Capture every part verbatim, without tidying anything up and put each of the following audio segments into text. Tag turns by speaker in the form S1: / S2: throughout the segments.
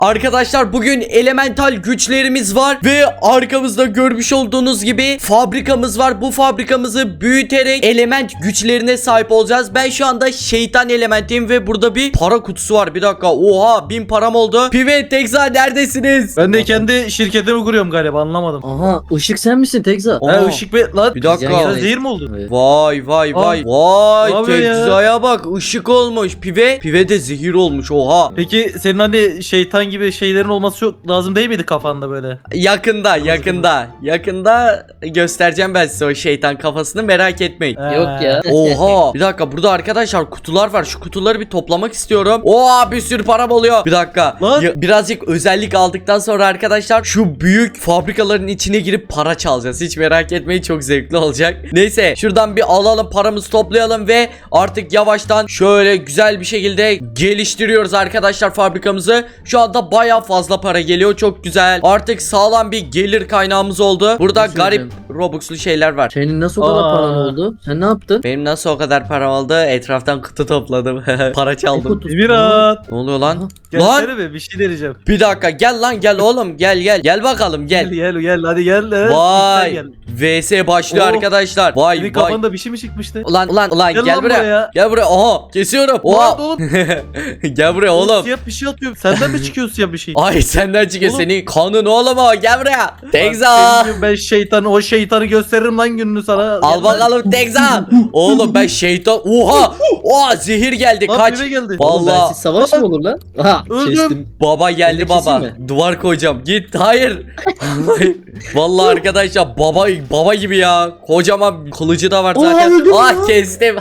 S1: Arkadaşlar bugün elemental güçlerimiz var ve arkamızda görmüş olduğunuz gibi fabrikamız var. Bu fabrikamızı büyüterek element güçlerine sahip olacağız. Ben şu anda şeytan elementiyim ve burada bir para kutusu var. Bir dakika, oha, bin param oldu. Pive, Tekza neredesiniz?
S2: Ben de kendi şirketimi kuruyorum galiba, anlamadım.
S3: Aha, ışık sen misin Tekza?
S1: Aa.
S2: Ha, ışık be lan.
S1: Bir dakika.
S2: Sen zehir mi oldun?
S3: Evet.
S1: Vay vay vay.
S2: Aa,
S1: Vay
S2: ne yapıyor ya?
S1: Tekza'ya bak, ışık olmuş. Pive, Pive de zehir olmuş, oha.
S2: Peki senin hani şeytan gibi şeylerin olması çok lazım değil miydi kafanda böyle?
S1: Yakında yakında yakında göstereceğim ben size o şeytan kafasını, merak etmeyin.
S3: Yok ya.
S1: Oha, bir dakika, burada arkadaşlar kutular var. Şu kutuları bir toplamak istiyorum. Oha, bir sürü param oluyor. Bir dakika.
S2: Lan.
S1: Ya, birazcık özellik aldıktan sonra arkadaşlar şu büyük fabrikaların içine girip para çalacağız. Hiç merak etmeyin, çok zevkli olacak. Neyse, şuradan bir alalım, paramızı toplayalım ve artık yavaştan şöyle güzel bir şekilde geliştiriyoruz arkadaşlar fabrikamızı. Şu anda baya fazla para geliyor, çok güzel. Artık sağlam bir gelir kaynağımız oldu. Burada
S3: Bir şey
S1: garip
S3: söyleyeceğim.
S1: Robux'lu şeyler var.
S3: Senin nasıl o kadar
S2: Aa.
S3: paran oldu? Sen ne yaptın?
S1: Benim nasıl o kadar param oldu? Etraftan kutu topladım. Para çaldım.
S3: Kutu-
S2: Emirhan.
S1: Ne oluyor lan?
S3: Aha.
S1: Lan
S2: Gelsene be, bir şey deneyeceğim.
S1: bir dakika, gel lan, gel oğlum, gel gel. Gel bakalım,
S2: Gel
S1: gel.
S2: gel gel hadi gel. Evet,
S1: Vay.
S2: sen gel.
S1: V S başlıyor
S2: Oh.
S1: arkadaşlar. Vay
S2: Senin
S1: vay.
S2: kafanda bir şey mi çıkmıştı?
S1: Ulan ulan ulan gel,
S2: Gel lan
S1: buraya.
S2: buraya.
S1: Gel buraya. Oha, kesiyorum.
S2: Lan
S1: Oha.
S2: oğlum.
S1: Gel buraya oğlum.
S2: Siyah bir şey atıyor. Senden mi çıkıyor siyah bir şey?
S1: Ay, senden çıkıyor,
S2: Oğlum.
S1: senin kanın oğlum o. Gel buraya. Tekza.
S2: Bak, senin gibi ben şeytan, o şeytanı gösteririm lan gününü sana.
S1: Al
S2: Gel lan.
S1: bakalım Tekza. Oğlum ben şeytan. Oha. Oha, zehir geldi.
S2: Lan
S1: Kaç.
S2: eve geldi.
S3: Oğlum
S1: Vallahi.
S3: bensiz savaş mı olur lan? Aha,
S2: Öldüm.
S3: kestim.
S1: Baba geldi,
S3: Elini
S1: baba.
S3: keseyim
S1: Duvar koyacağım. Git. Hayır. Vallahi, vallahi arkadaşlar baba baba gibi ya. Kocaman kılıcı da var
S3: Aa,
S1: zaten.
S3: öldüm
S1: Ah,
S3: ya.
S1: kestim.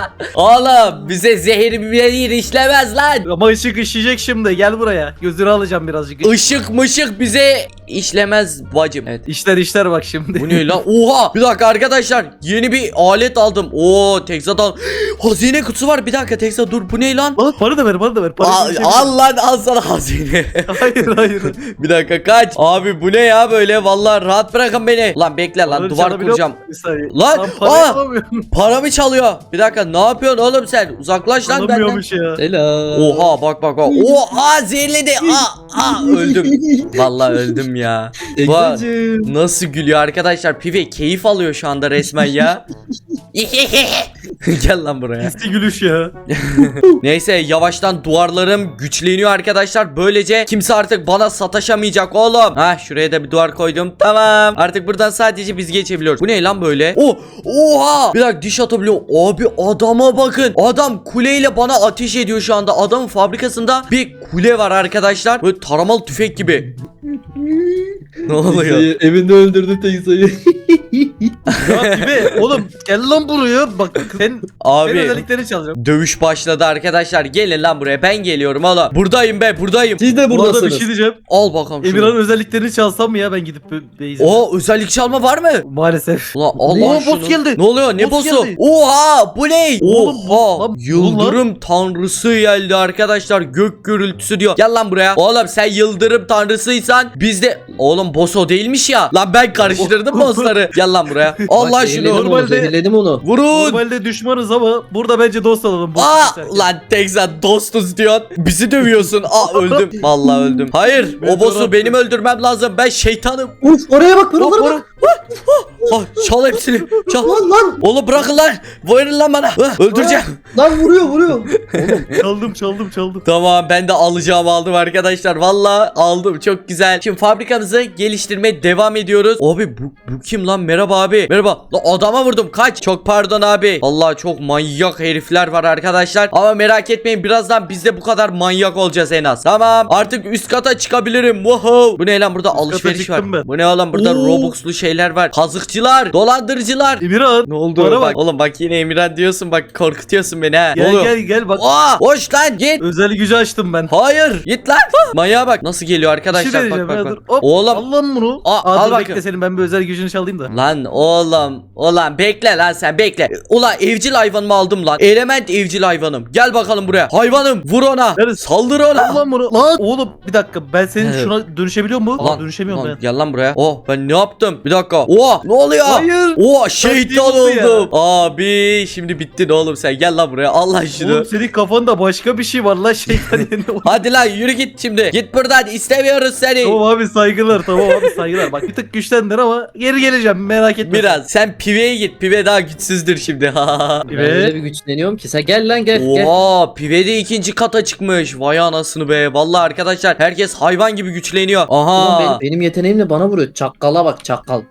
S1: Oğlum bize zehir bir işlemez lan.
S2: Ama ışık işleyecek şimdi. Gel buraya. Gözünü alacağım birazcık.
S1: Işık mışık bize işlemez bacım. Evet.
S2: İşler işler bak şimdi.
S1: Bu ne lan? Oha! Bir dakika arkadaşlar. Yeni bir alet aldım. Oo, Texa'dan hazine kutusu var. Bir dakika Texa, dur. Bu ne lan?
S2: Al, para da ver, para da ver. Para
S1: Al,
S2: bir şey
S1: al lan, al sana hazine.
S2: Hayır hayır.
S1: Bir dakika, kaç. Abi bu ne ya böyle? Vallahi rahat bırakın beni. Lan bekle lan,
S2: Para
S1: duvar
S2: çalabiliyor
S1: kuracağım.
S2: musun? Bir saniye.
S1: Lan,
S2: para
S1: aa!
S2: yapamıyorum.
S1: Paramı çalıyor. Bir dakika, ne yapıyorsun oğlum sen? Uzaklaş lan benden.
S2: Alamıyormuş ya.
S3: Selam.
S1: Oha, bak bak bak. Oha, zehirledi. Aa, aa, öldüm. Vallahi öldüm ya.
S3: Tekzacığım.
S1: Nasıl gülüyor arkadaşlar? Pive keyif alıyor şu anda resmen ya. Gel lan buraya.
S2: Eski gülüş ya.
S1: Neyse, yavaştan duvarlarım güçleniyor arkadaşlar. Böylece kimse artık bana sataşamayacak oğlum. Ha, şuraya da bir duvar koydum. Tamam. Artık buradan sadece biz geçebiliyoruz. Bu ne lan böyle? Oh, oha! Bir dakika, diş atabiliyorum. Abi adama bakın. Adam kuleyle bana ateş ediyor şu anda. Adamın fabrikasında bir kule var arkadaşlar. Böyle taramalı tüfek gibi. Ne oluyor?
S3: Tekza'yı evinde öldürdü Tekza'yı.
S2: Ya gibi oğlum gel lan buraya bak sen, senin
S1: Abi
S2: özelliklerini çalacağım.
S1: dövüş başladı arkadaşlar. Gelin lan buraya, ben geliyorum oğlum. Buradayım be, buradayım.
S3: Siz de
S2: Bu arada bir
S3: buradasınız.
S2: şey diyeceğim.
S1: Al bakalım şunu.
S2: Emirhan'ın özelliklerini çalsam mı ya ben gidip Beyz'e?
S1: O özellik çalma var mı?
S2: Maalesef.
S1: Ulan Allah
S2: Oo,
S1: şunu.
S2: boss geldi.
S1: Ne oluyor? Ne
S2: Boss
S1: boss'u?
S2: geldi.
S1: Oha, bu ne?
S2: Oğlum,
S1: Oha.
S2: lan,
S1: Yıldırım tanrısı geldi arkadaşlar. Gök gürültüsü diyor. Gel lan buraya. Oğlum sen yıldırım tanrısıysan biz de... Oğlum boss o değilmiş ya. Lan ben karıştırdım bossları. Gel lan buraya. Allah
S3: Bak,
S1: şunu.
S3: zehirledim onu,
S2: Normalde-
S3: zehirledim onu.
S1: Vurun.
S2: Normalde düşmanız ama burada bence dost olalım. boss
S1: Aa,
S2: keserken.
S1: lan Tekza, dostuz diyorsun. Bizi dövüyorsun. Aa, öldüm. Vallahi öldüm. Hayır,
S2: Ben
S1: o boss'u
S2: de
S1: benim öldürmem lazım. Ben şeytanım.
S3: Uf, oraya bak, paralara
S2: Hop,
S3: bak.
S1: Ah, çal hepsini. Çal.
S3: Lan lan.
S1: Oğlum bırakın lan. Verin lan bana. Ah, öldüreceğim.
S3: Lan vuruyor vuruyor.
S2: Çaldım çaldım çaldım.
S1: Tamam, ben de alacağım aldım arkadaşlar. Vallahi aldım, çok güzel. Şimdi fabrikamızı geliştirmeye devam ediyoruz. Abi bu, bu kim lan? Merhaba abi. Merhaba. Lan adama vurdum, kaç. Çok pardon abi. Allah, çok manyak herifler var arkadaşlar. Ama merak etmeyin, birazdan biz de bu kadar manyak olacağız en az. Tamam, artık üst kata çıkabilirim. Wow. Bu ne lan, burada
S2: kata
S1: alışveriş var.
S2: çıktım ben.
S1: Bu ne oğlum, burada
S2: Oo.
S1: Robux'lu şeyler var. Kazıkçılar, dolandırıcılar.
S2: Emirhan.
S1: Ne oldu?
S2: Bana
S1: Bak.
S2: bak.
S1: Oğlum bak, yine Emirhan diyorsun, bak korkutuyorsun beni ha. Ne
S2: Gel
S1: oluyor?
S2: gel gel bak.
S1: Aa, hoş lan, git.
S2: Özel gücü açtım ben.
S1: Hayır, git lan. Manyağa bak nasıl geliyor
S2: Bir şey
S1: arkadaşlar. Bak
S2: deneyeceğim
S1: bak
S2: ya,
S1: bak.
S2: dur. Hop,
S1: Oğlum
S2: al lan bunu.
S1: Aa,
S2: Aa,
S1: al
S2: dur
S1: bakayım.
S2: bekle senin ben bir özel gücünü çalayım da.
S1: lan o Oğlum ulan bekle lan sen bekle. Ulan evcil hayvanımı aldım lan. Element evcil hayvanım. Gel bakalım buraya. Hayvanım vur ona.
S2: Neresi?
S1: Saldır ona.
S2: Lan bunu. Lan oğlum bir dakika ben senin
S1: Evet.
S2: şuna dönüşebiliyor mu?
S1: Lan,
S2: Aa, dönüşemiyorum
S1: lan,
S2: ben.
S1: Gel lan buraya. Oh ben ne yaptım? Bir dakika. Oh ne oluyor?
S2: Hayır.
S1: Oh şeytan
S2: Taktiğim oldu ya.
S1: oldum. Abi şimdi bittin oğlum sen. Gel lan buraya. Allah şunu.
S2: Oğlum senin kafanda başka bir şey var lan şeytan yerine.
S1: Hadi lan yürü git şimdi. Git buradan istemiyoruz seni.
S2: Tamam abi saygılar tamam abi saygılar. Bak bir tık güçlendir ama geri geleceğim merak etme.
S1: Biraz sen piveye git. Pive daha güçsüzdür şimdi.
S4: Ben
S2: Evet.
S4: öyle bir güçleniyorum ki. Sen gel lan gel gel.
S1: Oha pive de ikinci kata çıkmış. Vay anasını be. Vallahi arkadaşlar herkes hayvan gibi güçleniyor.
S4: Oğlum
S1: Aha.
S4: benim, benim yeteneğimle bana vuruyor. Çakkala bak çakkal.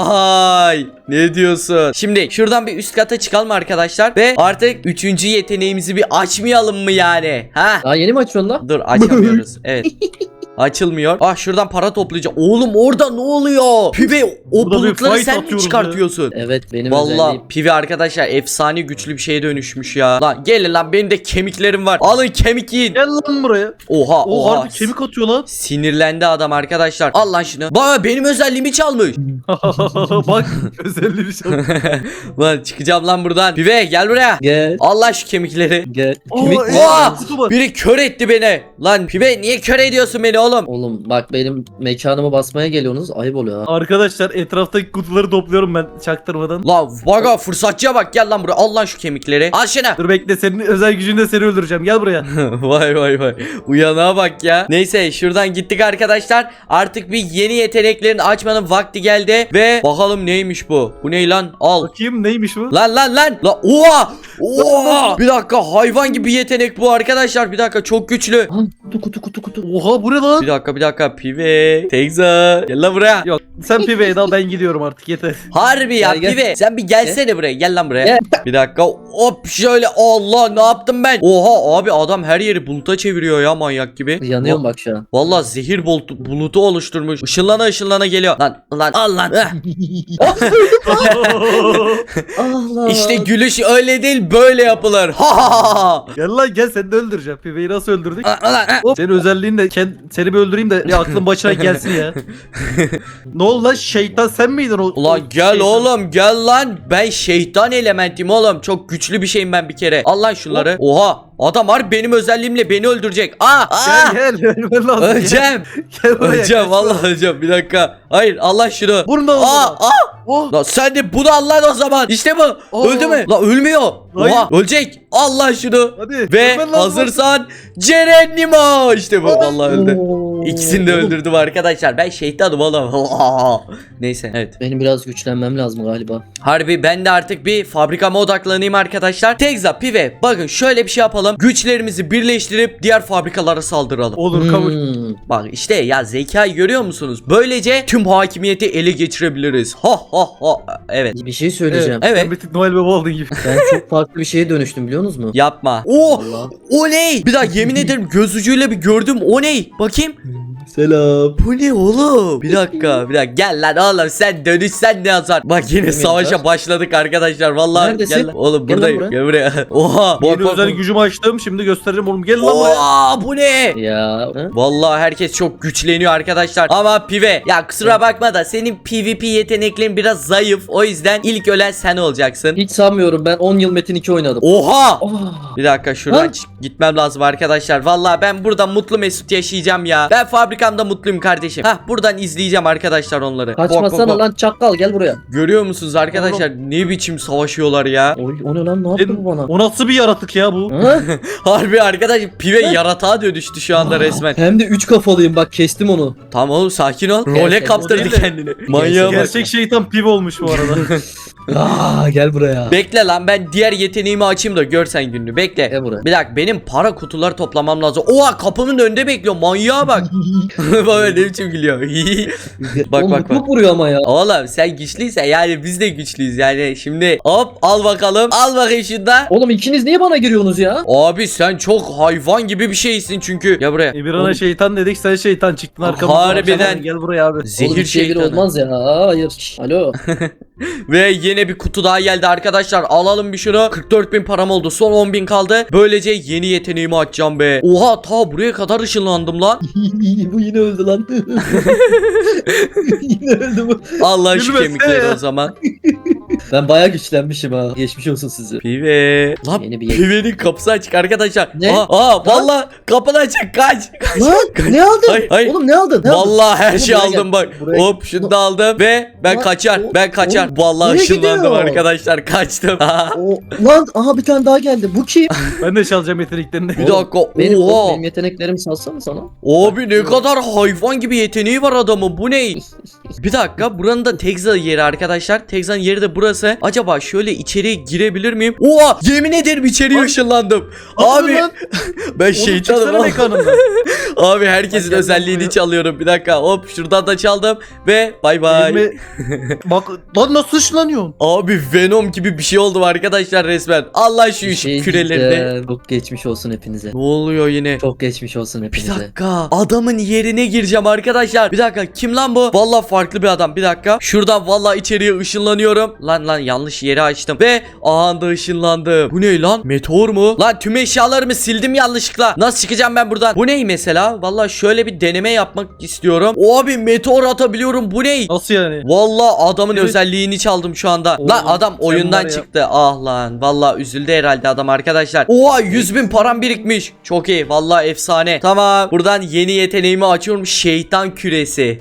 S1: Vay ne diyorsun? Şimdi şuradan bir üst kata çıkalım arkadaşlar. Ve artık üçüncü yeteneğimizi bir açmayalım mı yani? Ha?
S4: Daha yeni mi açıyorsun lan?
S1: Dur açamıyoruz. Evet. Açılmıyor. Ah şuradan para toplayacağım. Oğlum orada ne oluyor? Pive o
S2: Burada bir
S1: bulutları
S2: fight
S1: sen mi
S2: atıyoruz
S1: çıkartıyorsun?
S4: Evet benim
S1: Vallahi
S4: özelliğim.
S1: Pive arkadaşlar efsane güçlü bir şeye dönüşmüş ya. Lan gelin lan benim de kemiklerim var. Alın kemik yiyin.
S2: Gel lan buraya.
S1: Oha
S2: O
S1: oha.
S2: harbi kemik atıyor lan.
S1: Sinirlendi adam arkadaşlar. Al lan şunu. Bak benim özelliğimi çalmış.
S2: Bak özelliği bir şey.
S1: Lan çıkacağım lan buradan. Pive gel buraya.
S4: Gel
S1: Al lan şu kemikleri.
S4: gel.
S2: Aa,
S4: Kemik
S2: evet,
S4: mi?
S1: Oha!
S2: kutu var.
S1: Biri kör etti beni. Lan Pive niye kör ediyorsun beni oğlum?
S4: Oğlum bak benim mekanımı basmaya geliyorsunuz. Ayıp oluyor ha.
S2: Arkadaşlar etraftaki kutuları topluyorum ben çaktırmadan.
S1: Lan baga fırsatçıya bak gel lan buraya. Al lan şu kemikleri. Al şunu.
S2: Dur bekle senin özel gücünde seni öldüreceğim gel buraya.
S1: Vay vay vay. Uyanağa bak ya. Neyse şuradan gittik arkadaşlar. Artık bir yeni yeteneklerin açmanın vakti geldi. Ve bakalım neymiş bu? Bu ne lan? Al.
S2: Bakayım neymiş bu?
S1: Lan lan lan. La oha. Oha. Bir dakika hayvan gibi yetenek bu arkadaşlar. Bir dakika çok güçlü.
S4: Ha, kutu kutu kutu kutu.
S2: Oha bu ne lan?
S1: Bir dakika bir dakika. Pive. Tekza. Gel lan buraya.
S2: Yok sen piveyi al ben gidiyorum artık yeter.
S1: Harbi ya
S4: Gel, gel.
S1: Pive. Sen bir gelsene buraya. Gel lan buraya.
S4: Gel.
S1: Bir dakika. Hop şöyle. Allah ne yaptım ben? Oha abi adam her yeri buluta çeviriyor ya manyak gibi.
S4: Yanıyorum bak şu an.
S1: Vallahi zehir bulutu, bulutu oluşturmuş. Işınlana ışınlana geliyor. Lan lan al lan. Eh.
S4: Allah.
S1: İşte gülüş öyle değil böyle yapılır. Ha ha ha.
S2: Gel lan gel seni de öldüreceğim. Piveyi nasıl öldürdük?
S1: Lan, lan, eh.
S2: Hop. Senin özelliğin de kend, seni bir öldüreyim de ya aklın başına gelsin ya. Ne oldu lan şeytan sen miydin o?
S1: Ulan
S2: o
S1: gel
S2: şeytan?
S1: oğlum gel lan. Ben şeytan elementim oğlum. Çok güçlü bir şeyim ben bir kere. Al lan şunları. Oha. Adam var benim özelliğimle beni öldürecek. Aa, aa.
S2: Gel gel ölmen lazım.
S1: Öleceğim.
S2: Gel buraya.
S1: Öleceğim
S2: gel.
S1: vallahi öleceğim. Bir dakika. Hayır Allah şunu.
S2: Bunu da
S1: Aa,
S2: al.
S1: aa.
S2: Oh.
S1: Lan sen de bunu al lan o zaman. İşte bu.
S2: Aa.
S1: Öldü mü? Lan ölmüyor.
S2: Hayır.
S1: Oha ölecek. Al lan şunu.
S2: Hadi.
S1: Ve
S2: ölmen lazım.
S1: hazırsan Cerenimo. İşte bu vallahi öldü.
S4: Oo.
S1: İkisini de öldürdüm arkadaşlar. Ben şeytanım oğlum. Neyse evet.
S4: Benim biraz güçlenmem lazım galiba.
S1: Harbi ben de artık bir fabrikama odaklanayım arkadaşlar. Tekza, Pive bakın şöyle bir şey yapalım. Güçlerimizi birleştirip diğer fabrikalara saldıralım.
S2: Olur kabul.
S4: Hmm.
S1: Bak işte ya zekayı görüyor musunuz? Böylece tüm hakimiyeti ele geçirebiliriz. Ha ha ha. Evet.
S4: Bir şey söyleyeceğim.
S1: Evet.
S2: Sen bir tık Noel Baba oldun gibi.
S4: Ben çok farklı bir şeye dönüştüm biliyor musunuz mu?
S1: Yapma. Oo!
S4: Allah.
S1: O ne? Bir daha yemin ederim göz ucuyla bir gördüm. O ne? Bakayım.
S3: Selam.
S1: Bu ne oğlum? Bir dakika, bir dakika. Gel lan oğlum sen dönüşsen ne yazar? Bak yine
S4: Yemin
S1: savaşa
S4: yazar.
S1: başladık arkadaşlar. Vallahi
S4: Neredesin?
S1: gel lan. Oğlum
S4: Gel lan
S1: buradayım.
S4: buraya.
S1: Gel buraya. Oha. Bak,
S2: Yeni
S1: bak,
S2: özel
S1: bak.
S2: gücümü açtım şimdi göstereceğim oğlum gel lan buraya.
S1: Oha bu ne?
S4: Ya. ha?
S1: Vallahi herkes çok güçleniyor arkadaşlar. Ama Pive ya kusura bakma da senin PvP yeteneklerin biraz zayıf. O yüzden ilk ölen sen olacaksın.
S4: Hiç sanmıyorum ben on yıl Metin iki oynadım.
S1: Oha!
S4: Oh.
S1: Bir dakika şuradan
S4: Ha?
S1: çık- gitmem lazım arkadaşlar. Vallahi ben burada mutlu mesut yaşayacağım ya. Ben fabrikamda mutluyum kardeşim. Hah buradan izleyeceğim arkadaşlar onları. Bak, bak,
S4: Kaçmasana
S1: bak.
S4: lan çakkal gel buraya.
S1: Görüyor musunuz arkadaşlar ne biçim savaşıyorlar ya.
S4: Oy, o ne lan ne yaptı
S2: Senin-
S4: bu bana?
S2: O nasıl bir yaratık ya bu?
S4: Ha?
S1: Harbi arkadaş Pive yaratığa dönüştü şu anda resmen.
S4: Hem de üç kafalıyım bak kestim onu.
S1: Tamam oğlum sakin ol.
S4: Gerçekten.
S1: Role kaptırdı
S2: O değil de-
S1: kendini. Manyağa bak.
S2: Gerçek şeytan pive olmuş bu arada.
S4: Aa, gel buraya.
S1: Bekle lan ben diğer yeteneğimi açayım da görsen gününü. Bekle.
S4: Gel buraya.
S1: Bir dakika benim para kutuları toplamam lazım. Oha kapımın önünde bekliyor. Manyağa bak. Böyle ne biçim gülüyor. Bak,
S4: O
S1: bak,
S4: mutluluk
S1: bak.
S4: vuruyor ama ya.
S1: Oğlum sen güçlüysen yani biz de güçlüyüz yani. Şimdi hop al bakalım. Al bakayım şunda.
S4: Oğlum ikiniz niye bana giriyorsunuz ya?
S1: Abi sen çok hayvan gibi bir şeysin çünkü. Ya buraya.
S2: Emirhan'a şeytan dedik sen şeytan çıktın arkamızdan.
S1: Harbiden.
S2: Gel buraya abi.
S1: Zehir
S4: Oğlum bir şey bir
S1: şeytanı.
S4: olmaz ya. Hayır. Alo.
S1: Ve yine bir kutu daha geldi arkadaşlar. Alalım bir şunu. kırk dört bin param oldu. Son on bin kaldı. Böylece yeni yeteneğimi açacağım be. Oha, ta buraya kadar ışınlandım lan.
S3: Bu yine öldü lan. Yine öldü bu.
S1: Allah şu
S2: Gülmesene
S1: kemikleri
S2: ya.
S1: o zaman.
S4: Ben bayağı güçlenmişim ha. Geçmiş olsun size.
S1: Pive. Lan
S4: Yeni bir-
S1: pivenin kapısı açık arkadaşlar.
S4: Ne?
S1: Aa, aa valla kapını açık, kaç.
S3: Lan ne aldın?
S1: Hayır, hayır.
S3: Oğlum ne aldın? Ne aldın?
S1: Vallahi her
S4: Oğlum
S1: şey
S4: buraya
S1: aldım
S4: gel,
S1: bak.
S4: buraya-
S1: Hop şunu da aldım ve ben
S3: Lan,
S1: kaçar.
S3: o-
S1: Ben kaçar.
S3: oğlum,
S1: Vallahi
S3: nereye
S1: ışınlandım
S3: gidiyor?
S1: arkadaşlar. Kaçtım.
S3: O, lan aha bir tane daha geldi. Bu kim?
S2: Ben de çalacağım yeteneklerini.
S1: Bir dakika.
S4: Benim,
S1: Oha.
S4: benim yeteneklerimi salsana sana.
S1: Abi ne kadar hayvan gibi yeteneği var adamın. Bu ne? Bir dakika. Buranın da Tekza yeri arkadaşlar. Tekza'nın yeri de burası. Acaba şöyle içeriye girebilir miyim? Oha! Yemin ederim içeriye
S2: Lan.
S1: ışınlandım.
S2: Abi
S1: Abi
S2: lan.
S1: ben
S2: Oğlum
S1: şeytanım.
S2: çıksana mekanımdan.
S1: Abi herkesin
S2: Bak, gel
S1: özelliğini
S2: buraya.
S1: çalıyorum. Bir dakika. Hop şuradan da çaldım ve bay bay.
S2: Elime- Bak lan nasıl ışınlanıyorsun?
S1: Abi Venom gibi bir şey oldu arkadaşlar resmen. Allah şu
S4: Bir
S1: iş
S4: şey
S1: kürelerinde.
S4: diyeceğim. Çok geçmiş olsun hepinize.
S1: Ne oluyor yine?
S4: Çok geçmiş olsun
S1: Bir
S4: hepinize.
S1: dakika. Adamın yerine gireceğim arkadaşlar. Bir dakika. Kim lan bu? Vallahi farklı bir adam. Bir dakika. Şuradan vallahi içeriye ışınlanıyorum. Lan lan yanlış yeri açtım. Ve anda ışınlandım. Bu ne lan? Meteor mu? Lan tüm eşyalarımı sildim yanlışlıkla. Nasıl çıkacağım ben buradan? Bu ne mesela? Vallahi şöyle bir deneme yapmak istiyorum. Abi meteor atabiliyorum. Bu ne?
S2: Nasıl yani?
S1: Vallahi adamın
S2: Evet.
S1: özelliğini çaldım şu anda.
S2: Oğlum,
S1: lan adam
S2: sen
S1: oyundan
S2: var ya.
S1: çıktı. Ah lan. Vallahi üzüldü herhalde adam arkadaşlar. Oha yüz bin param birikmiş. Çok iyi. Vallahi efsane. Tamam. Buradan yeni yeteneğimi açıyorum. Şeytan küresi.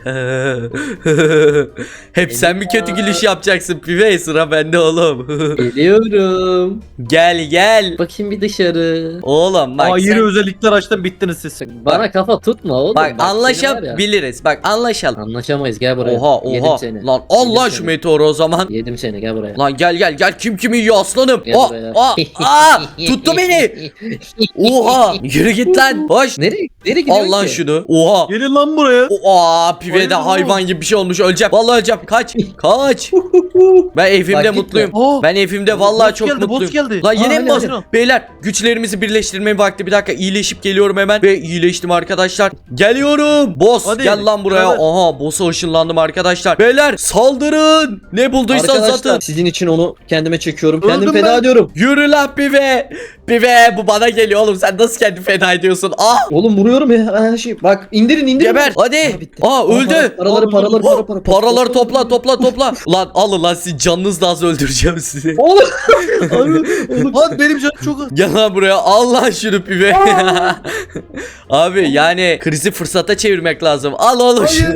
S1: Hep sen mi kötü gülüş yapacaksın Pive? Sıra bende oğlum.
S4: Geliyorum.
S1: Gel gel.
S4: Bakayım bir dışarı.
S1: Oğlum bak
S2: Aa
S1: sen-
S2: yeni özellikler açtım bittiniz siz.
S4: Bana kafa tutma oğlum.
S1: Bak
S4: seni var ya.
S1: anlaşabiliriz. Bak anlaşalım.
S4: Anlaşamayız, gel buraya.
S1: Oha
S4: Yedim
S1: oha.
S4: seni.
S1: Lan Allah
S4: Yedim
S1: şu
S4: seni.
S1: meteoru o zaman.
S4: Yedim seni, gel buraya.
S1: Lan gel gel gel, kim kimi yiyor aslanım.
S4: Gel
S1: Aa,
S4: buraya.
S1: aa, aa, tuttu beni. Oha yürü git lan. Hoş.
S4: Nereye, nereye gidiyorsun
S1: Al lan
S4: ki?
S1: şunu. Oha.
S2: Gelin lan buraya.
S1: Oha pive de
S2: Hayır,
S1: hayvan gibi bir şey olmuş, öleceğim. Vallahi öleceğim. Kaç. Kaç. Ben evimde
S4: Bak, gitme.
S1: mutluyum.
S2: Aa,
S1: Ben evimde vallahi
S2: boss
S1: çok
S2: geldi, boss
S1: mutluyum.
S2: geldi.
S1: Lan yine
S2: Aa,
S1: mi
S2: aynen,
S1: boss?
S2: aynen.
S1: Beyler güçlerimizi birleştirme vakti. Bir dakika, iyileşip geliyorum hemen. Ve iyileştim arkadaşlar. Geliyorum. Boss
S2: Hadi,
S1: gel lan buraya.
S2: beraber.
S1: Aha boss'a ışınlandım arkadaşlar. Beyler saldırın. Ne bulduysan
S4: Arkadaşlar
S1: satın.
S4: sizin için onu kendime çekiyorum. Kendim
S2: Öldüm
S4: feda
S2: ben.
S4: ediyorum.
S1: Yürü lan pive. Pive bu bana geliyor oğlum. Sen nasıl kendini feda ediyorsun? Ah.
S4: Oğlum vuruyorum ya her şey. Bak indirin indirin.
S1: Geber. Hadi.
S4: Aa, bitti.
S1: Aa öldü.
S4: Para- Paraları paraları para para.
S1: Paraları topla topla topla. Lan alın lan, sizi canınızla az öldüreceğim sizi.
S4: Oğlum.
S2: Lan benim canım çok az.
S1: Gel lan buraya, al lan şunu pive. Abi yani krizi fırsata çevirmek lazım. Al oğlum şunu.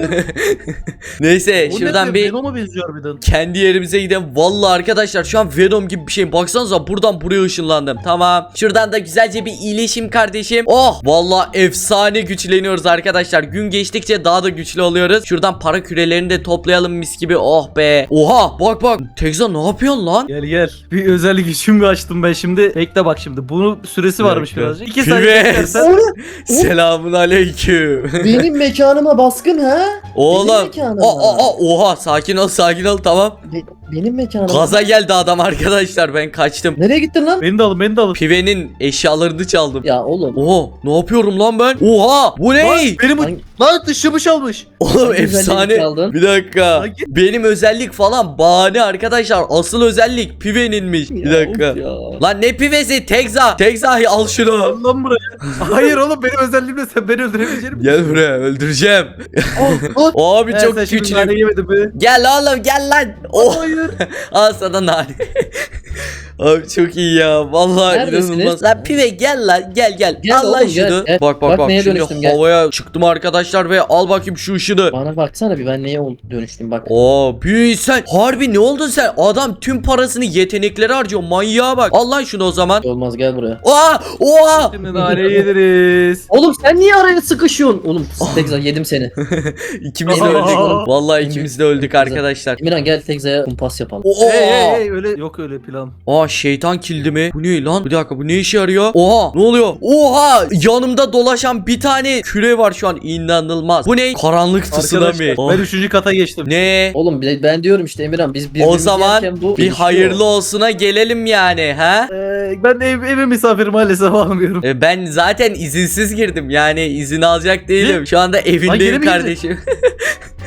S1: Neyse
S2: O
S1: şuradan
S2: ne be?
S1: bir
S2: Venom'a benziyor harbiden.
S1: kendi yerimize gidelim. Vallahi arkadaşlar şu an Venom gibi bir şeyim. Baksanıza buradan buraya ışınlandım. Tamam. Şuradan da güzelce bir iyileşim kardeşim. Oh vallahi efsane güçleniyoruz arkadaşlar. Gün geçtikçe daha da güçlü oluyoruz. Şuradan para kürelerini de toplayalım mis gibi. Oh be. Oha bak bak. Tekza ne yapıyorsun lan?
S2: Gel gel. Bir özellik işimi açtım ben şimdi. Bekle bak şimdi. Bunun süresi varmış
S1: dakika.
S2: birazcık. İki saniye
S1: Pives.
S2: beklersen.
S1: Selamun aleyküm.
S3: Benim mekanıma baskın ha?
S1: Oğlum.
S3: Benim mekanıma.
S1: Aa, aa, aa, oha sakin ol sakin ol tamam.
S3: Be- benim mekanıma.
S1: Gaza geldi adam arkadaşlar, ben kaçtım.
S3: Nereye gittin lan?
S2: Beni de alın beni de alın.
S1: Pive'nin eşyalarını çaldım.
S4: Ya oğlum.
S1: Oha ne yapıyorum lan ben? Oha bu ne?
S2: Lan benim
S4: Hangi-
S2: lan dışımı çalmış.
S1: Oğlum
S4: Hangi özelliğini
S1: efsane.
S4: çaldın?
S1: Bir dakika.
S2: Hangi-
S1: Benim özellik falan bahane arkadaşlar. Asıl özellik Pive'ninmiş. Bir
S4: Ya,
S1: dakika.
S4: of ya.
S1: Lan ne Pive'si? Tekza. Tekza al şunu.
S2: Al lan buraya. Hayır oğlum benim özelliğimle sen beni öldüremeyecek misin?
S1: Gel buraya, öldüreceğim.
S2: Oh,
S1: Abi
S2: He,
S1: çok
S2: sen şimdi
S1: güçlü.
S2: nane yemedin be.
S1: Gel oğlum gel lan. Oh.
S2: Hayır.
S1: Al sana nane. Abi çok iyi ya. Vallahi
S4: Neredesiniz?
S1: inanılmaz. Lan Pive gel lan. Gel gel.
S4: Gel
S1: al lan
S4: oğlum, gel,
S1: şunu.
S4: gel.
S1: Bak bak
S4: Bak
S1: bak.
S4: neye
S1: Şimdi
S4: dönüştüm, gel.
S1: havaya çıktım arkadaşlar ve al bakayım şu ışını.
S4: Bana baksana bir, ben neye ol- dönüştüm bak.
S1: Oo büyü sen. Harbi ne oldun sen? Adam tüm parasını yeteneklere harcıyor. Manyağa bak. Al lan şunu o zaman.
S4: Olmaz, gel buraya.
S1: Oha! Oha!
S2: Şimdi nane yediriz.
S4: Oğlum sen niye araya sıkışıyorsun? Oğlum Tekza yedim seni.
S1: İkimiz de
S2: Aa.
S1: öldük. Vallahi ikimiz de öldük arkadaşlar.
S4: Emirhan gel Tekza'ya kumpas yapalım.
S1: Oha!
S2: Hey hey hey öyle yok öyle plan.
S1: Aa şeytan kildi mi? Bu ne lan? Bir dakika, bu ne işe yarıyor? Oha! Ne oluyor? Oha! Yanımda dolaşan bir tane küre var şu an. İnanılmaz. Bu ne? Karanlık tsunami.
S2: Arkadaşlar
S1: Oh.
S2: ben üçüncü kata geçtim.
S1: Ne?
S4: Oğlum ben ben diyorum işte Emirhan, biz birbirimizi
S1: O zaman
S4: yerken bu
S1: bir
S4: gelişiyor.
S1: hayırlı olsuna gelelim yani, ha?
S2: Ee, ben ev, eve misafir maalesef almıyorum.
S1: E, Ben zaten izinsiz girdim. Yani izin alacak değilim. Şu anda
S2: Lan geri
S1: evindeyim
S2: mi
S1: kardeşim.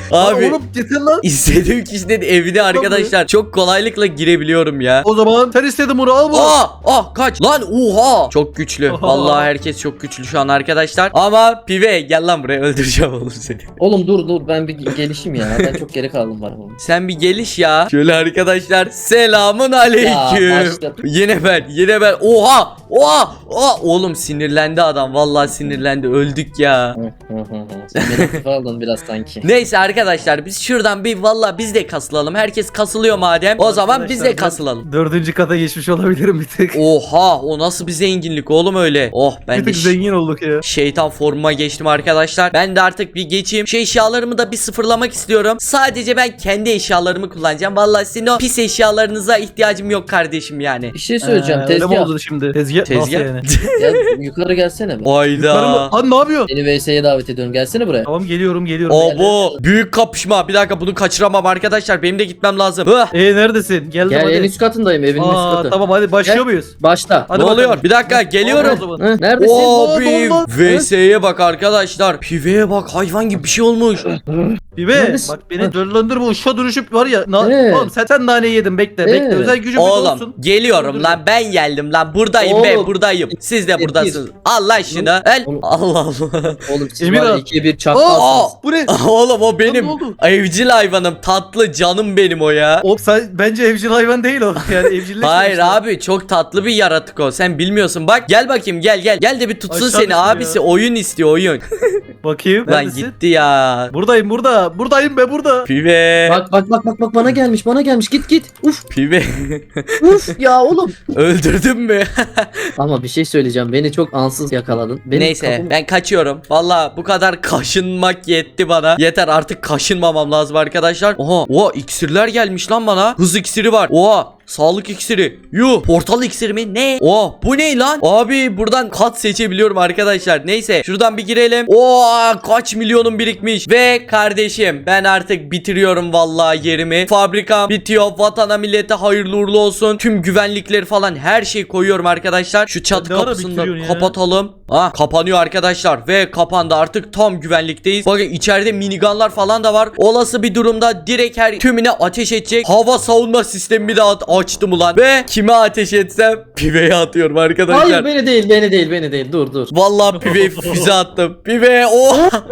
S1: Abi
S2: Oğlum yeter lan.
S1: istediğim kişinin evine arkadaşlar çok kolaylıkla girebiliyorum ya.
S2: O zaman sen istedin bunu al bunu.
S1: Aa, ah kaç lan, oha çok güçlü.
S2: Oha.
S1: Vallahi herkes çok güçlü şu an arkadaşlar. Ama pive gel lan buraya, öldüreceğim oğlum seni.
S4: Oğlum dur dur ben bir gelişeyim ya. Ben çok geri kaldım bana.
S1: Sen bir geliş ya. Şöyle arkadaşlar, selamun aleyküm.
S4: Ya, başladım.
S1: Yine ben yine ben oha oha oha. Oğlum sinirlendi adam, vallahi sinirlendi, öldük ya.
S4: Sen beni hafife aldın biraz sanki.
S1: Neyse arkadaşlar, biz şuradan bir vallahi biz de kasılalım. Herkes kasılıyor madem. O zaman biz de
S2: Arkadaşlar, ben
S1: kasılalım.
S2: Dördüncü kata geçmiş olabilirim bir tık.
S1: Oha, o nasıl bir zenginlik oğlum öyle. Oh, ben
S2: bir
S1: de
S2: tık
S1: ş-
S2: zengin olduk ya.
S1: şeytan formuma geçtim arkadaşlar. Ben de artık bir geçeyim. Şu eşyalarımı da bir sıfırlamak istiyorum. Sadece ben kendi eşyalarımı kullanacağım. Vallahi sizin o pis eşyalarınıza ihtiyacım yok kardeşim yani.
S4: Bir şey söyleyeceğim.
S2: Ee, öyle mi
S4: Tezgah.
S2: oldu şimdi? Tezgah.
S1: Tezgah.
S2: Nasıl yani?
S4: Ya, yukarı gelsene be.
S1: Hayda.
S2: Lan ne yapıyorsun?
S4: Seni V S'ye davet ediyorum. Gelsene buraya.
S2: Tamam geliyorum geliyorum.
S1: O bu büyük kapışma. Bir dakika, bunu kaçıramam arkadaşlar. Benim de gitmem lazım. Hıh.
S2: Ee neredesin? Geldim
S4: Gel
S2: hadi.
S4: en üst katındayım. Evin üst
S2: Aa,
S4: katı.
S2: tamam hadi başlıyor
S4: Gel.
S2: muyuz?
S4: Başla.
S2: Hadi
S1: Ne
S2: bakalım.
S1: oluyor? Bir dakika, geliyorum.
S2: O zaman.
S4: Hı, neredesin?
S1: Abi
S2: Olmaz.
S1: V S'ye bak arkadaşlar. Piveye bak, hayvan gibi bir şey olmuş.
S2: Bibe
S4: Neredesin?
S2: bak beni dörlendirme, o şu duruşup var ya. Na
S4: Evet.
S2: Oğlum sen, sen naneyi yedin, bekle bekle,
S4: Evet.
S2: özel gücüm bir
S1: Oğlum
S2: olsun.
S1: geliyorum lan, ben geldim lan, buradayım be,
S4: Oğlum.
S1: buradayım. Siz de
S4: Getir.
S1: buradasınız. Allah şunu. El.
S4: Oğlum.
S1: Allah Allah.
S4: Oğlum siz
S2: Emir
S4: var ya
S2: abi.
S4: ikiye bir
S1: Aa,
S4: çakmalsınız.
S2: Bu ne?
S1: Oğlum o
S2: ne
S1: benim
S2: oldu?
S1: evcil hayvanım, tatlı canım benim o ya.
S2: O sen bence evcil hayvan değil o. Yani evcilleşmemiş.
S1: Hayır
S2: ya.
S1: abi, çok tatlı bir yaratık o. Sen bilmiyorsun. Bak gel bakayım, gel gel. Gel de bir tutsun
S2: Aşağı
S1: seni
S2: düştü
S1: abisi.
S2: ya.
S1: Oyun istiyor, oyun.
S2: Bakayım.
S1: Lan
S2: Neredesin?
S1: gitti ya.
S2: Buradayım burada. Buradayım be burada.
S1: Pive.
S4: Bak bak bak bak bak bana gelmiş bana gelmiş git git. Uf
S1: Pive.
S4: uf ya oğlum.
S1: Öldürdün mü?
S4: Ama bir şey söyleyeceğim. Beni çok ansız yakaladın. Benim
S1: Neyse
S4: kapım-
S1: ben kaçıyorum. Valla bu kadar kaşınmak yetti bana. Yeter artık, kaşınmamam lazım arkadaşlar. Oha, oha iksirler gelmiş lan bana. Hız iksiri var. Oha, sağlık iksiri. Yuh, portal iksiri mi? Ne? Oha, bu ne lan? Abi buradan kat seçebiliyorum arkadaşlar. Neyse şuradan bir girelim. Oha, kaç milyonum birikmiş. Ve kardeşim ben artık bitiriyorum vallahi yerimi. Fabrikam bitiyor. Vatana millete hayırlı uğurlu olsun. Tüm güvenlikleri falan her şeyi koyuyorum arkadaşlar. Şu çatı
S2: Ne ara
S1: kapısını da
S2: bitiriyorsun ya?
S1: kapatalım. Ha, kapanıyor arkadaşlar ve kapandı, artık tam güvenlikteyiz. Bakın içeride minigunlar falan da var. Olası bir durumda direkt her tümüne ateş edecek hava savunma sistemimi de at- açtım ulan. Ve kime ateş etsem piveye atıyorum arkadaşlar.
S4: Hayır beni değil beni değil beni değil dur dur.
S1: Vallahi piveye füze attım. Pive o.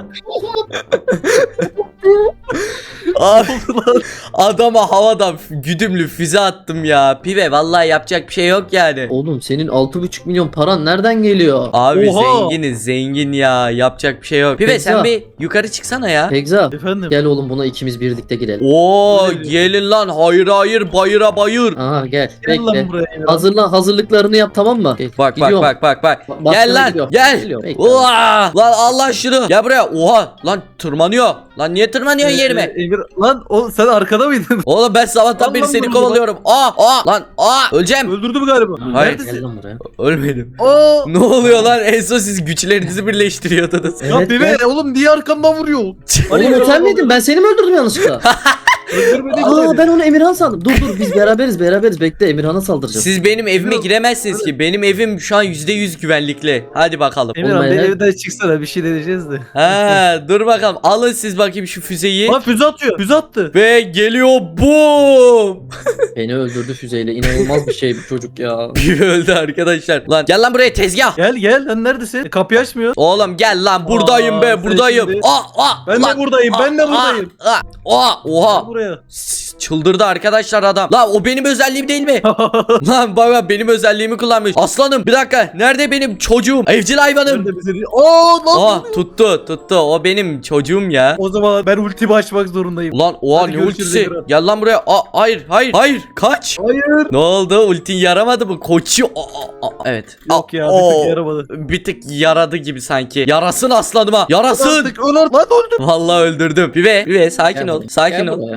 S1: Abi, adama havadan güdümlü füze attım ya. Pive vallahi yapacak bir şey yok yani.
S4: Oğlum senin altı buçuk milyon paran nereden geliyor?
S1: Abi
S2: Oha.
S1: zenginiz, zengin ya, yapacak bir şey yok. Pive sen
S4: Pekza.
S1: bir yukarı çıksana ya.
S4: Pekza
S2: Efendim.
S4: gel oğlum buna ikimiz birlikte girelim.
S1: Oo gelin lan, hayır hayır, bayıra bayır.
S4: Aha gel
S2: Gel lan
S4: bekle.
S2: buraya.
S4: Hazırlan hazırlıklarını yap tamam mı? Gel,
S1: Bak bak
S4: gidiyorum.
S1: bak bak bak.
S4: Ba- başladı,
S1: Gel lan
S4: gidiyorum.
S1: gel.
S4: Geliyorum, bekle.
S1: Oha! Lan Allah şunu. Gel buraya. Oha lan, tırmanıyor. Lan niye tırmanıyorsun
S2: Ee,
S1: yerime?
S2: e, Emir, lan o sen arkada mıydın?
S1: Oğlum ben sabahtan
S2: Lan
S1: beri
S2: lan
S1: seni
S2: bunu
S1: kovalıyorum. Aa aa lan aa, öleceğim.
S2: Öldürdü mü galiba?
S1: Hayır.
S4: Gel
S2: Neredesin?
S4: lan buraya.
S1: Ölmedim.
S2: Aa!
S1: Ne oluyor lan? En son siz güçlerinizi birleştiriyordunuz.
S2: Ya
S4: Evet,
S2: Bibe
S4: gel.
S2: oğlum niye arkamdan vuruyor?
S4: Oğlum o sen miydin? Ben seni mi öldürdüm yanlışlıkla?
S2: Öldürmedik
S4: Aa
S2: seni.
S4: ben onu Emirhan sandım. Dur dur biz beraberiz beraberiz bekle Emirhan'a saldıracağız.
S1: Siz benim evime
S2: Yok.
S1: giremezsiniz ki. Benim evim şu an yüzde yüz güvenlikli. Hadi bakalım.
S2: Emirhan
S4: Olmayan
S2: bir
S4: her-
S2: evden çıksana, bir şey deneyeceğiz de.
S1: Ha, dur bakalım. Alın siz bakayım şu füzeyi.
S2: Lan füze atıyor. Füze attı.
S1: Ve geliyor boom.
S4: Beni öldürdü füzeyle. İnanılmaz bir şey bu çocuk ya.
S1: Bir öldü arkadaşlar. Lan gel lan buraya, tezgah.
S2: Gel gel lan, neredesin? E, kapıyı açmıyor.
S1: Oğlum gel lan, buradayım
S2: Aa,
S1: be,
S2: sen
S1: buradayım.
S2: şimdi-
S1: Aa, aa,
S2: Ben de
S1: lan.
S2: buradayım, ben de
S1: Aa,
S2: buradayım.
S1: Aa, aa, aa, oha.
S2: Buraya.
S1: S- Çıldırdı arkadaşlar adam. Lan o benim özelliğim değil mi? Lan baba benim özelliğimi kullanmış. Aslanım bir dakika. Nerede benim çocuğum? Evcil hayvanım.
S2: Nerede bizi? Aa lan.
S1: Aa tuttu tuttu. O benim çocuğum ya.
S2: O zaman ben ultimi açmak zorundayım.
S1: Ulan oha,
S2: Hadi
S1: ne
S2: görüşürüz
S1: ultisi?
S2: Emirhan.
S1: Gel lan buraya. Aa, hayır hayır hayır. Kaç.
S2: Hayır.
S1: Ne oldu? Ultin yaramadı mı? Koçu. Aa, aa, aa, evet.
S2: Yok
S1: Aa,
S2: ya, bir
S1: oo.
S2: tık yaramadı.
S1: Bir tık yaradı gibi sanki. Yarasın aslanıma. Yarasın.
S2: Artık öl artık. Lan öldüm.
S1: Vallahi öldürdüm. Pive, pive sakin
S4: Gel
S1: ol.
S4: buraya,
S1: Sakin
S4: gel
S1: ol.
S4: buraya.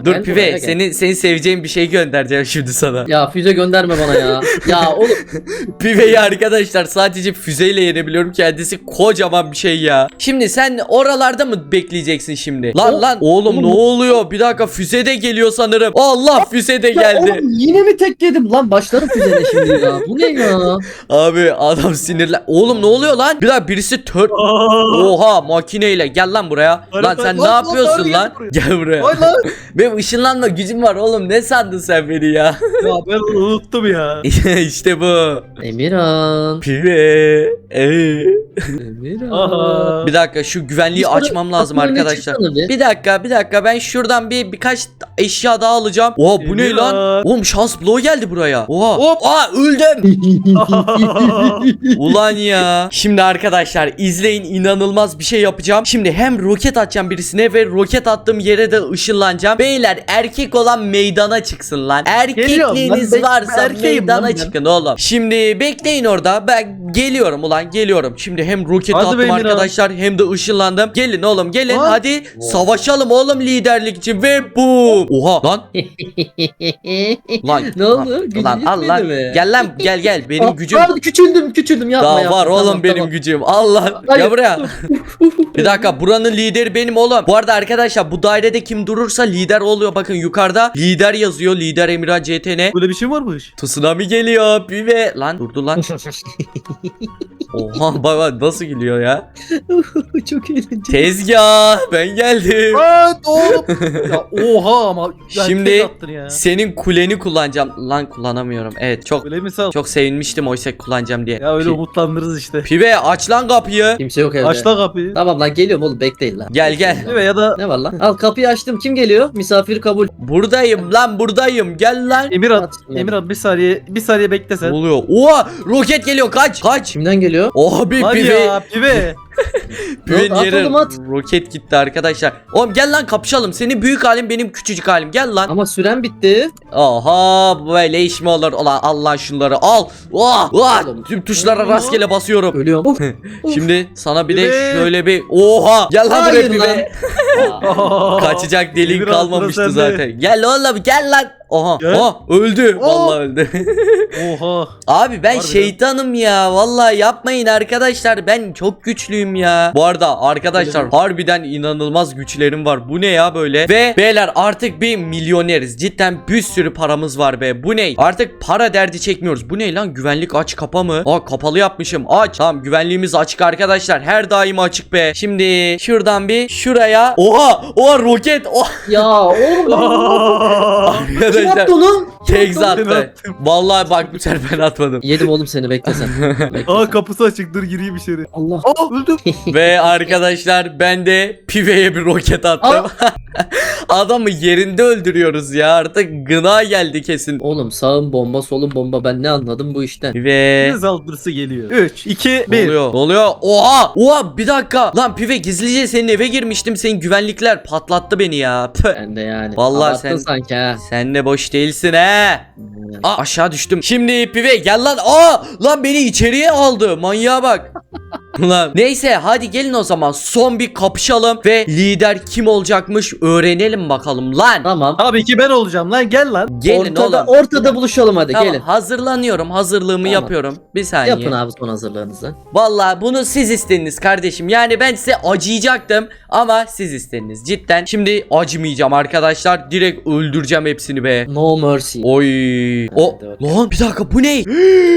S1: Dur
S4: Gel
S1: Pive
S4: buraya, gel.
S1: senin senin seveceğin bir şey göndereceğim şimdi sana.
S4: Ya füze gönderme bana ya. Ya oğlum.
S1: Pive'yi arkadaşlar sadece füzeyle yenebiliyorum. Kendisi kocaman bir şey ya. Şimdi sen oralarda mı bekleyeceksin şimdi? Lan
S3: O-
S1: lan oğlum ne
S3: oğlum-
S1: oluyor? Bir dakika füze de geliyor sanırım. Allah füze de
S3: Ya
S1: geldi.
S3: oğlum yine mi tek yedim?
S4: Lan başlarım füzene şimdi ya. Bu ne ya?
S1: Abi adam sinirlen. Oğlum ne oluyor lan? Bir dakika birisi tör... Oha makineyle gel lan buraya.
S2: Hayır,
S1: Lan
S2: hayır,
S1: sen
S2: lan,
S1: ne
S2: lan,
S1: yapıyorsun
S2: lan,
S1: lan?
S2: gel
S1: Gel buraya.
S2: Ay lan.
S1: Benim ışınlanma gücüm var oğlum. Ne sandın sen beni ya?
S2: Ya ben unuttum ya.
S1: İşte bu.
S4: Emirhan.
S1: Pive. Ee.
S4: Emirhan.
S2: Aha.
S1: Bir dakika şu güvenliği
S4: Biz
S1: açmam lazım
S4: kapının önüne
S1: arkadaşlar.
S4: çıksana bir.
S1: Bir dakika bir dakika ben şuradan bir birkaç eşya daha alacağım. Oha bu ne
S2: Emirhan.
S1: lan? Oğlum şans bloğu geldi buraya. Oha.
S2: Hop.
S1: Aa öldüm. Ulan ya. Şimdi arkadaşlar izleyin inanılmaz bir şey yapacağım. Şimdi hem roket atacağım birisine ve roket attığım yere de ışınlanacağım. Beyler erkek olan meydana çıksın lan. Erkekliğiniz
S2: Geliyorum lan, ben-
S1: varsa
S2: ben erkeğim
S1: meydana
S2: lan ben.
S1: çıkın oğlum. Şimdi bekleyin orada. Ben geliyorum ulan geliyorum. Şimdi hem roket
S2: Hadi
S1: attım
S2: be Emirhan.
S1: arkadaşlar hem de ışınlandım. Gelin oğlum gelin
S2: Lan.
S1: hadi savaşalım oğlum liderlik için ve boom. Oha lan lan.
S4: Ne oldu? Gücün
S1: Lan al lan.
S4: yetmedi mi?
S1: Gel lan gel gel benim
S4: Aa,
S1: gücüm.
S4: Abi küçüldüm küçüldüm yapma
S1: Daha
S4: yapma.
S1: var oğlum
S4: Tamam,
S1: benim
S4: tamam.
S1: gücüm. Allah.
S4: Hayır.
S1: Gel buraya. Bir dakika buranın lideri benim oğlum. Bu arada arkadaşlar bu dairede kim durursa lider oluyor. Bakın yukarıda lider yazıyor. Lider Emirhan C T N.
S2: Böyle bir şey varmış.
S1: Tsunami geliyor. Pive. Lan durdu lan. Oha bak bak nasıl gülüyor ya.
S4: Çok eğlenceli.
S1: Tezgah ben geldim.
S2: Aa, hop. Ya oha ama. ya
S1: Şimdi
S2: tek attın ya.
S1: senin kuleni kullanacağım. Lan kullanamıyorum. Evet çok
S2: Öyle mi sağ?
S1: çok sevinmiştim oysa kullanacağım diye.
S2: Ya öyle
S1: Pi-
S2: umutlandırırız işte.
S1: Pive aç lan kapıyı.
S4: Kimse yok evde.
S2: Aç lan kapıyı.
S4: Tamam lan geliyorum oğlum bekleyin lan.
S1: Gel gel.
S2: Evet ya da
S4: Ne var lan? Al kapıyı açtım. Kim geliyor? Misafir kabul.
S1: Buradayım lan buradayım. Gel lan.
S2: Emirhan.
S4: At.
S2: Emirhan bir saniye bir saniye bekle
S1: Ne
S2: sen.
S1: oluyor? Oha roket geliyor kaç kaç.
S4: Kimden geliyor?
S1: Abi
S2: Hadi
S1: pive.
S2: ya pive.
S1: Pive'nin
S4: At
S1: yere
S4: oğlum, at.
S1: roket gitti arkadaşlar. Oğlum gel lan kapışalım. Senin büyük halin benim küçücük halim. Gel lan.
S4: Ama süren bitti.
S1: Oha böyle iş mi olur? Ulan al lan şunları al. Oh, oh.
S4: Oğlum.
S1: Tüm tuşlara rastgele basıyorum.
S4: Ölüyorum.
S1: Şimdi sana bir de
S2: Pive.
S1: şöyle bir oha gel lan buraya
S4: Hayır
S1: pive.
S4: lan.
S1: Kaçacak deliğin
S2: Emirhan,
S1: kalmamıştı
S2: sıra sende.
S1: zaten. Gel oğlum gel lan. Oha,
S2: Gel.
S1: oha öldü. Vallahi öldü.
S2: Oha.
S1: Abi ben
S2: Harbiden.
S1: şeytanım ya. Vallahi yapmayın arkadaşlar. Ben çok güçlüyüm ya. Bu arada arkadaşlar harbiden inanılmaz güçlerim var. Bu ne ya böyle? Ve beyler artık bir milyoneriz. Cidden bir sürü paramız var be. Bu ne? Artık para derdi çekmiyoruz. Bu ne lan? Güvenlik aç kapa mı? Aa kapalı yapmışım. Aç. Tamam güvenliğimiz açık arkadaşlar. Her daim açık be. Şimdi şuradan bir şuraya. Oha! Oha roket. Oha!
S4: Ya oğlum.
S1: Arkadaşlar
S3: Kim attı onu?
S1: tek
S2: Ben
S1: attı.
S2: attım.
S1: Vallahi bak bu sefer ben atmadım.
S4: Yedim oğlum seni bekle sen. Bekle
S2: Aa
S4: sen.
S2: kapısı açık dur gireyim içeri.
S4: Allah.
S2: Aa öldüm.
S1: Ve arkadaşlar ben de Pive'ye bir roket attım. Adamı yerinde öldürüyoruz ya. Artık gına geldi kesin.
S4: Oğlum sağım bomba solum bomba ben ne anladım bu işten.
S1: Pive.
S2: Bir saldırısı geliyor. üç, iki,
S1: Ne
S2: bir.
S1: oluyor? Ne oluyor? Oha! Oha bir dakika. Lan Pive gizlice senin eve girmiştim. Senin güvenlikler patlattı beni ya. Püh.
S4: Ben de yani.
S1: Vallahi
S4: Abarttın
S1: sen-
S4: sanki ha.
S1: Sen de boş değilsin he. Aa aşağı düştüm. Şimdi Pive gel lan. Aa lan beni içeriye aldı. Manyağa bak. Lan neyse hadi gelin o zaman son bir kapışalım ve lider kim olacakmış öğrenelim bakalım lan.
S4: Tamam.
S2: Tabii ki ben olacağım lan gel lan.
S1: Gelin
S4: ortada,
S1: oğlum.
S4: ortada buluşalım hadi
S1: Tamam,
S4: gelin.
S1: hazırlanıyorum. Hazırlığımı
S4: Tamam.
S1: yapıyorum. Bir saniye.
S4: Yapın abi son hazırlığınızı.
S1: Vallahi bunu siz istediniz kardeşim. Yani ben size acıyacaktım ama siz istediniz cidden. Şimdi acımayacağım arkadaşlar. Direkt öldüreceğim hepsini be.
S4: No mercy.
S1: Oy. O
S4: Hadi bakalım.
S1: lan bir dakika bu ne?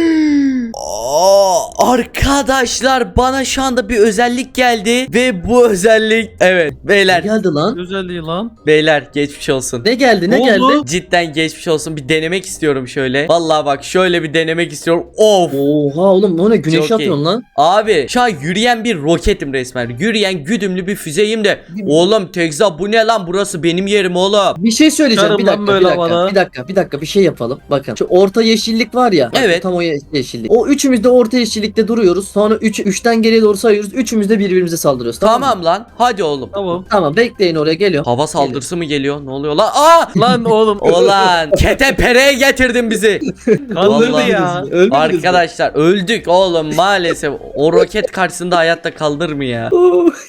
S1: Aa, arkadaşlar bana şu anda bir özellik geldi ve bu özellik evet
S4: Ne
S1: beyler
S4: geldi lan?
S2: Özelliği lan.
S1: beyler geçmiş olsun.
S4: Ne geldi ne
S2: Ne
S4: geldi?
S2: oldu?
S1: Cidden geçmiş olsun. Bir denemek istiyorum şöyle. Vallahi bak şöyle bir denemek istiyorum. Of.
S4: Oha oğlum o ne güneş
S1: Çok iyi.
S4: atıyorsun lan.
S1: Abi şu an yürüyen bir roketim resmen. Yürüyen güdümlü bir füzeyim de. Oğlum Tekza bu ne lan? Burası benim yerim oğlum.
S4: Bir şey söyleyeceğim
S2: Çıkarım
S4: bir
S2: lan
S4: dakika
S2: böyle
S4: bir dakika,
S2: havada.
S4: bir dakika bir dakika bir şey yapalım. Bakın şu orta yeşillik var ya. bak,
S1: Evet.
S4: Tam o ye- yeşillik. O üçümüz de orta yeşillikte duruyoruz. Sonra üç, üçten geriye doğru sayıyoruz. Üçümüz de birbirimize saldırıyoruz. Tamam,
S1: Tamam,
S4: mı?
S1: lan. Hadi oğlum.
S2: Tamam.
S4: Tamam bekleyin oraya geliyor.
S1: Hava saldırısı mı geliyor? Ne oluyor lan? Aa!
S2: Lan oğlum.
S1: Ulan ketepereye getirdin bizi.
S2: Kandırdı
S1: Vallahi.
S2: ya.
S4: Ölmediniz mi?
S1: Arkadaşlar öldük oğlum maalesef. O roket karşısında hayatta kalır mı ya?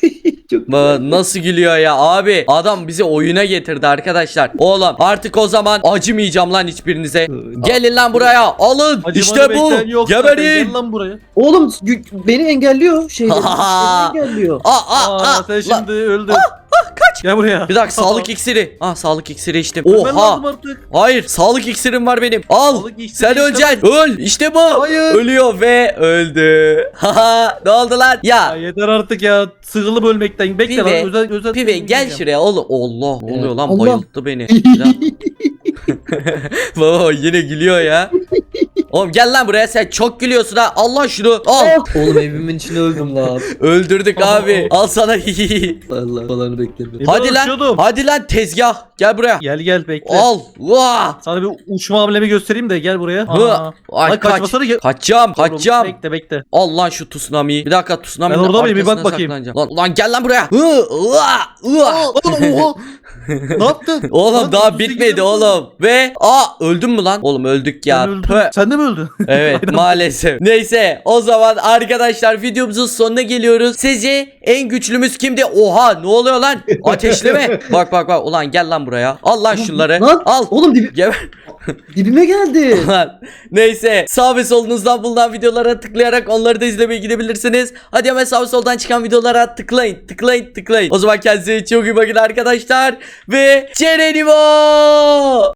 S4: Çok
S1: Baba nasıl gülüyor ya abi. Adam bizi oyuna getirdi arkadaşlar. Oğlum artık o zaman acımayacağım lan hiçbirinize. Gelin lan buraya. Alın.
S2: Acımanı
S1: İşte bu.
S2: bekleyen yok zaten.
S1: Geberin.
S2: Gel lan buraya.
S4: Oğlum gü- beni engelliyor şeyleri. beni engelliyor.
S1: Aa, aa,
S2: Aa,
S1: aa,
S2: sen
S1: lan.
S2: şimdi öldün. Kaç. Gel buraya.
S1: Bir dakika sağlık iksiri. Ah sağlık iksiri içtim.
S2: Ölmen lazım
S1: Oha.
S2: artık.
S1: Hayır sağlık iksirim var benim. Al.
S2: Sağlık iksiri
S1: Sen
S2: istemem.
S1: öleceksin. Öl. İşte bu.
S2: Hayır.
S1: Ölüyor ve öldü. Haha. Ne oldu lan?
S2: Ya
S1: Ya.
S2: yeter artık ya. Sıkılıp ölmekten. Bekle
S1: Pive,
S2: lan. Özel, özel
S1: Pive gel şuraya oğlum. Allah. Ne oluyor lan?
S3: Allah.
S1: Bayılttı beni. Bir dakika. Baba yine gülüyor ya. Oğlum gel lan buraya, sen çok gülüyorsun ha. Allah şunu. Al.
S4: Oğlum evimin içinde öldüm lan.
S1: Öldürdük abi. Al sana.
S4: Allah falanı beklemiyorum.
S2: E, ben
S1: Hadi lan.
S2: uçuyordum.
S1: Hadi lan tezgah. Gel buraya.
S2: Gel gel bekle.
S1: Al. Vah.
S2: Sana bir uçma hamlemi göstereyim de gel buraya.
S1: Hı.
S2: Aa.
S1: Ay
S2: Ay,
S1: kaç.
S2: kaçmasana gel.
S1: Kaçacağım.
S2: Oğlum,
S1: Kaçacağım.
S2: Bekle bekle.
S1: Al lan şu tsunami'yi. Bir dakika tsunami'nin
S2: Ben orada mıyım? Bir bak
S1: arkasına
S2: bakayım.
S1: saklanacağım. Lan, lan gel lan buraya. Hı, ıa, ıa.
S2: Oha. Ne yaptın?
S1: Oğlum
S2: Lan,
S1: daha
S2: bizi
S1: bitmedi
S2: gidiyor.
S1: oğlum. Ve aa öldün mü lan? Oğlum öldük ya.
S2: Sen öldün.
S1: Pö.
S2: Sen de mi öldün?
S1: Evet
S2: Aynen.
S1: maalesef. Neyse o zaman arkadaşlar videomuzun sonuna geliyoruz. Sizce en güçlümüz kimdi? Oha ne oluyor lan? Ateşleme. Bak bak bak ulan gel lan buraya. Al lan şunları.
S4: Lan
S1: Al.
S4: oğlum dibi,
S1: Geber.
S4: dibime geldi.
S1: Lan. Neyse sağ ve solunuzdan bulunan videolara tıklayarak onları da izlemeye gidebilirsiniz. Hadi hemen sağ ve soldan çıkan videolara tıklayın tıklayın tıklayın. O zaman kendinize çok iyi bakın arkadaşlar. Ve Cerenimo.